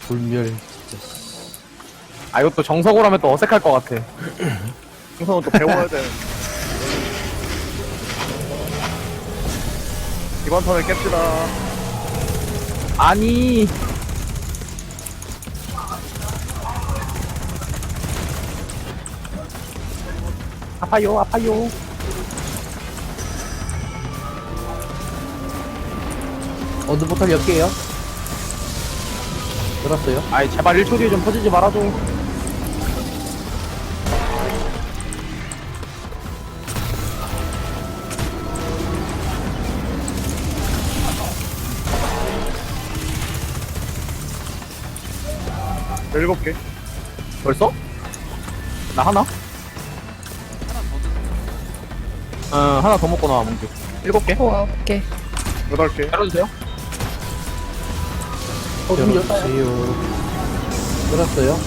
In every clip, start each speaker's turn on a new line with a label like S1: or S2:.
S1: 불멸 진짜.
S2: 아 이것도 정석으로 하면 또 어색할 것 같아.
S3: 우선은 또 배워야 되는. 이번 턴을 깹시다.
S2: 아니 아파요 아파요.
S1: 어느 포탈 몇 개요? 들었어요?
S2: 아이 제발 1초 뒤에 좀 퍼지지 말아줘.
S3: 일곱 개.
S2: 벌써? 나 하나? 하나 더 먹고 나와 몽규. 7개?
S4: 9개.
S3: 여덟 개.
S2: 열어주세요.
S1: 들었어요. 들었어요?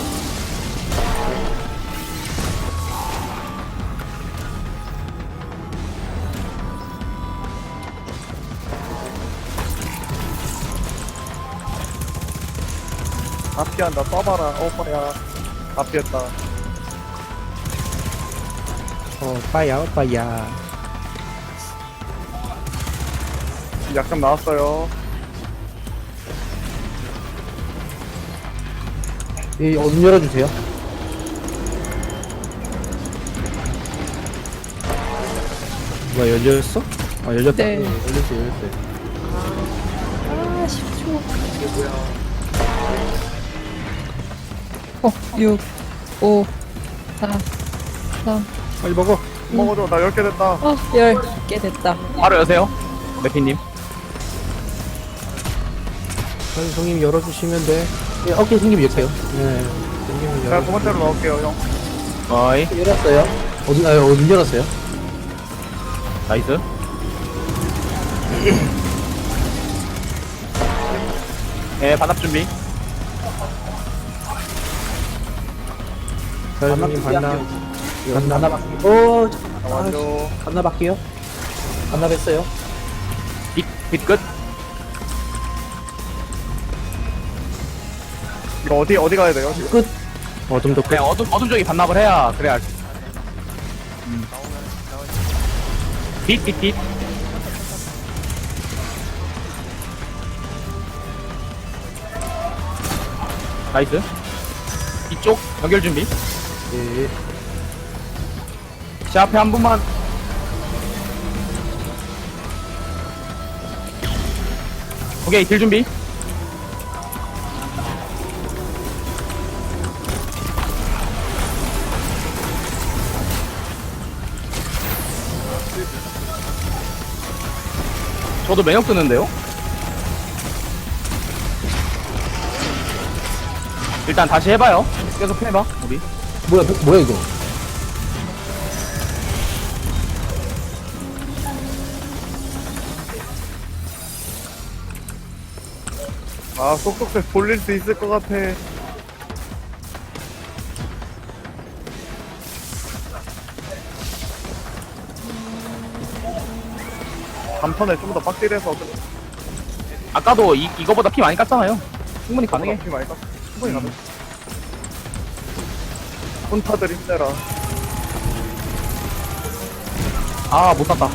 S3: 다 피한다. 써봐라. 오빠야. 다 피했다.
S1: 오빠야 오빠야.
S3: 약점 나왔어요.
S1: 예, 어둠 열어주세요. 뭐야 열렸어? 아 열렸다.
S4: 네.
S1: 열렸어요.
S4: 아, 10초.
S3: 이게 뭐야.
S4: 6, 5, 4, 3.
S1: 빨리 먹어.
S3: 먹어줘. 나 10개 됐다.
S4: 10개 됐다.
S2: 바로 여세요. 매피님.
S1: 형님 열어주시면 돼. 예, 어깨 생기면 열게요. 네. 생기면
S3: 제가 두
S1: 열어.
S3: 번째로 넣을게요, 형.
S2: 어이
S1: 열었어요. 어둠 열었어요.
S2: 나이스. 예 반납 준비.
S1: 자, 형님 반납. 오,
S3: 완료.
S1: 반납할게요. 반납했어요.
S2: 빛 끝.
S3: 이거 어디 가야 돼요, 지금?
S1: 끝. 어둠도 끝.
S2: 그냥 어둠 쪽이 반납을 해야 그래야. 빛. 나이스. 이쪽 연결 준비.
S1: 예.
S2: 제 앞에 한 분만. 오케이 딜 준비. 저도 매력 뜨는데요? 일단 다시 해봐요. 계속 해봐 우리.
S1: 뭐야 이거?
S3: 아, 쏙쏙 돌릴 수 있을 것 같아. 단턴에 좀 더 빡딜해서
S2: 아까도 이거보다 피 많이 깠잖아요. 충분히 가능해.
S3: 피 많이 깠어. 충분히 가능. 혼타들 힘내라.
S2: 아, 못 샀다.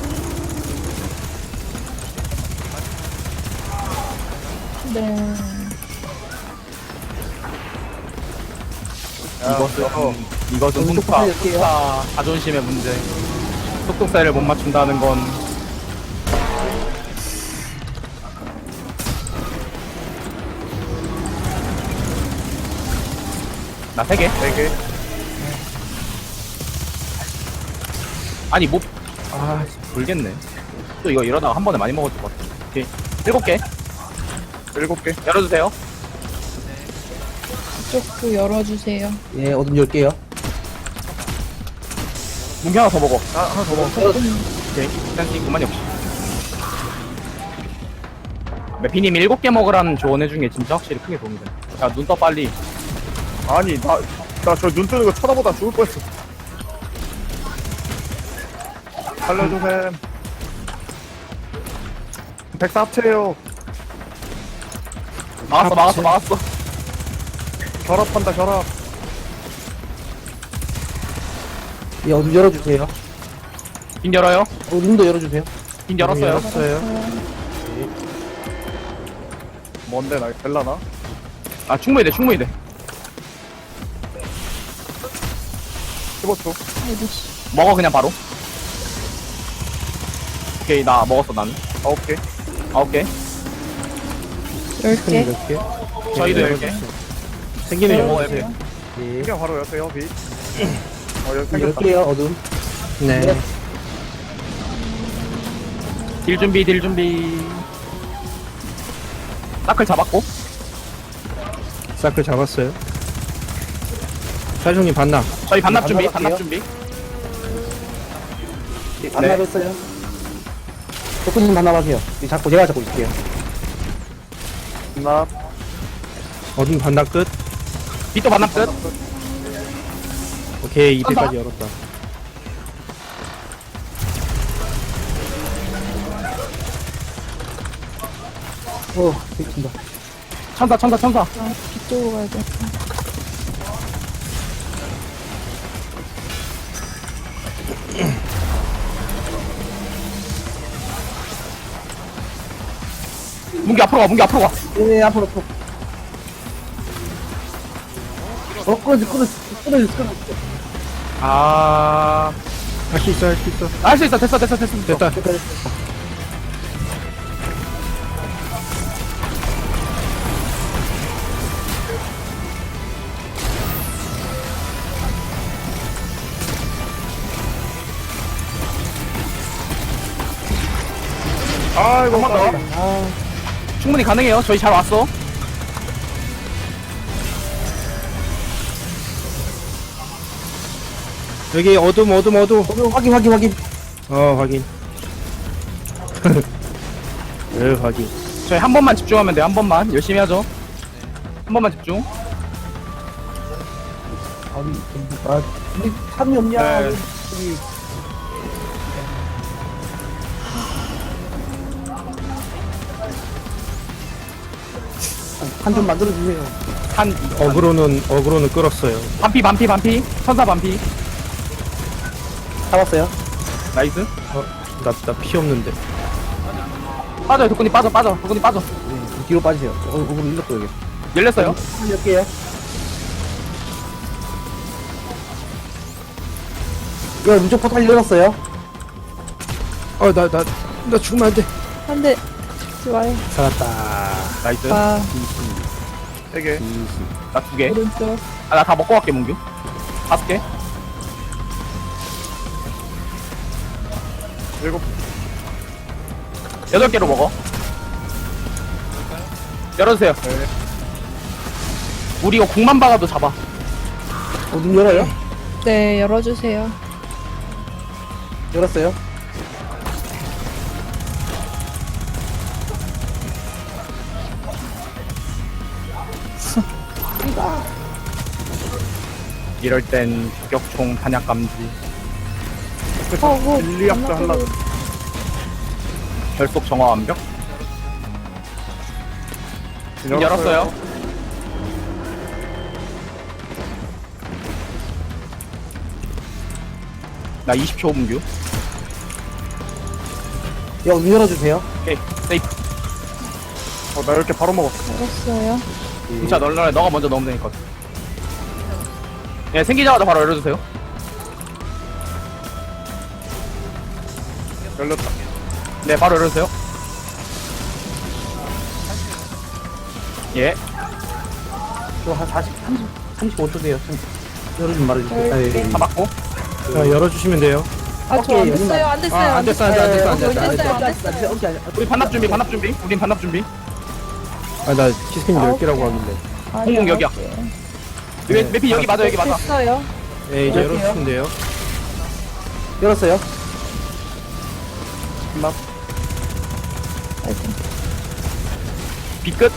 S4: 네.
S2: 이것은
S1: 좀
S2: 훈파,
S1: 할게요.
S2: 훈파 자존심의 문제. 속독사를 못 맞춘다는 건 나 3개?
S3: 4개.
S2: 아니 못. 아 불겠네. 또 이거 이러다가 한 번에 많이 먹을 것 같아. 오케이 7개
S3: 7개.
S2: 열어주세요.
S4: 이쪽도 열어주세요.
S1: 예, 어둠 열게요.
S2: 문기 하나 더 먹어.
S3: 아, 하나 더 먹어.
S2: 오케이 일단 그만 역시. 매피님이 7개 먹으라는 조언해준 게 진짜 확실히 크게 도움이 돼. 야 눈 떠 빨리.
S3: 아니, 나 저 눈 뜨는 거 쳐다보다 죽을 뻔했어. 살려주셈. 104 합체해요.
S2: 막았어.
S3: 결합한다, 결합.
S1: 예, 어둠 열어주세요.
S2: 빈 열어요.
S1: 어둠도 열어주세요.
S2: 빈 열었어요.
S1: 열었어요.
S3: 뭔데, 나 될라나?
S2: 아, 충분히 돼.
S3: 15초.
S4: 아이고, 씨.
S2: 먹어, 그냥 바로. 오케이, 나 먹었어, 나는.
S3: 9개.
S2: 9개.
S4: 10개.
S1: 몇 개?
S2: 저희도
S1: 예,
S2: 10개.
S1: 생기면
S2: 네,
S1: 열어주세요. 예.
S3: 그냥 바로 여세요, 빛. 여기 생겼다.
S1: 열게요, 어둠. 네.
S2: 딜 준비. 사클 잡았고.
S1: 사클 잡았어요. 사장님 반납.
S2: 저희 반납 준비,
S1: 반납할게요.
S2: 반납 준비.
S1: 반납했어요. 조금만 반납하세요. 제가 잡고 있을게요.
S3: 나,
S1: 어둠 반납 끝.
S2: 빛도 반납 끝.
S1: 오케이, 2패까지 열었다. 오, 미친다.
S2: 천사.
S4: 아, 뒤쪽으로 가야 돼.
S2: 문기 앞으로 가.
S1: 네, 앞으로. 끊어지.
S2: 아,
S1: 할 수 있어.
S2: 할 수 있어. 됐어.
S1: 됐다.
S3: 아이고,
S2: 한 번 더. 충분히 가능해요. 저희 잘 왔어.
S1: 여기 어둠. 확인. 확인. 네, 확인.
S2: 저희 한 번만 집중하면 돼요. 한 번만. 열심히 하죠. 한 번만 집중.
S1: 우리 탐이 없냐?
S2: 네.
S1: 여기. 한 좀 만들어주세요.
S2: 한,
S1: 어그로는 끌었어요.
S2: 반피. 천사 반피.
S1: 잡았어요?
S2: 나이스.
S1: 나 피 없는데.
S2: 빠져요. 도kun이 빠져.
S1: 뒤로 빠지세요. 어그로 일렀어, 여기.
S2: 열렸어요.
S1: 몇 개요? 이거 무적 포탈 열었어요? 나 죽으면 안 돼.
S4: 한 대. 죽지 마요.
S1: 살았다.
S2: 나이스.
S4: 아,
S3: 3개.
S2: 나 2개.
S4: 오른쪽.
S2: 아, 나 다 먹고 갈게, 문규. 5개.
S3: 7.
S2: 8개로 먹어. 열어주세요.
S3: 네.
S2: 우리 이거 공만 박아도 잡아.
S1: 어둠 열어요?
S4: 네, 열어주세요.
S1: 열었어요?
S2: 이럴 땐 격총 탄약 감지.
S3: 진리학자 하려고.
S2: 결속 정화 완벽. 열었어요. 나 20초 문규.
S1: 어둠 열어주세요.
S2: 오케이, 세이프.
S3: 나 이렇게 바로 먹었어.
S4: 열었어요.
S2: 진짜 널널해. 너가 먼저 넣으면 되니까. 예, 생기자마자 바로 열어주세요.
S3: 열렸다.
S2: 네, 바로 열어주세요. 예.
S1: 한 35초 돼요. 열어주면 말해주세요.
S4: 열게.
S2: 다 맞고.
S1: 열어주시면 돼요.
S4: 아, 저 안
S1: 오케이,
S4: 됐어요. 안 됐어요.
S1: 안 됐어.
S4: 안 됐어요. 안
S2: 우리 반납 준비. 우린 반납 준비.
S1: 나 시스템 10개라고 하길래.
S2: 공공 여기야.
S1: 네.
S2: 매피 여기 맞아, 여기 맞아.
S4: 됐어요.
S1: 네, 이제
S4: 열게요.
S1: 열어주시면 돼요. 열었어요?
S4: 아이고.
S2: 빛 끝.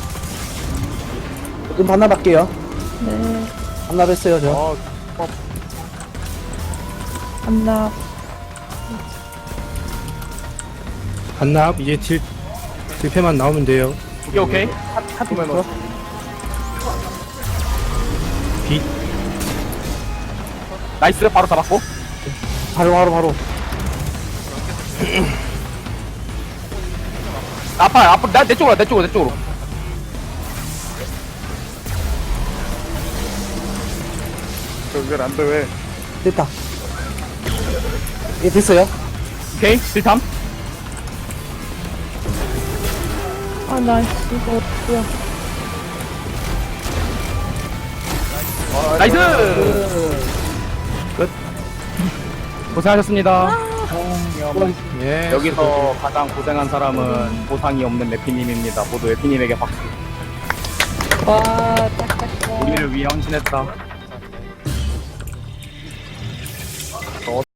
S1: 좀 반납할게요.
S4: 네.
S1: 반납했어요, 저.
S4: 반납.
S1: 반납, 이제 딜패만 나오면 돼요.
S2: 오케이 오케이.
S1: 하트 면
S2: 나이스 바로 잡았고.
S1: 바로.
S2: 앞으로 내 쪽으로.
S3: 저기 안돼 왜?
S1: 됐다. 예, 됐어요.
S2: 오케이 실탐.
S4: 아, 나 이거 뭐야.
S2: 나이스. 끝. 고생하셨습니다.
S1: 예.
S2: 여기서 가장 고생한 사람은 보상이 없는 레피님입니다. 모두 레피님에게 박수.
S4: 와, 딱딱딱.
S2: 우리를 위해 헌신했다.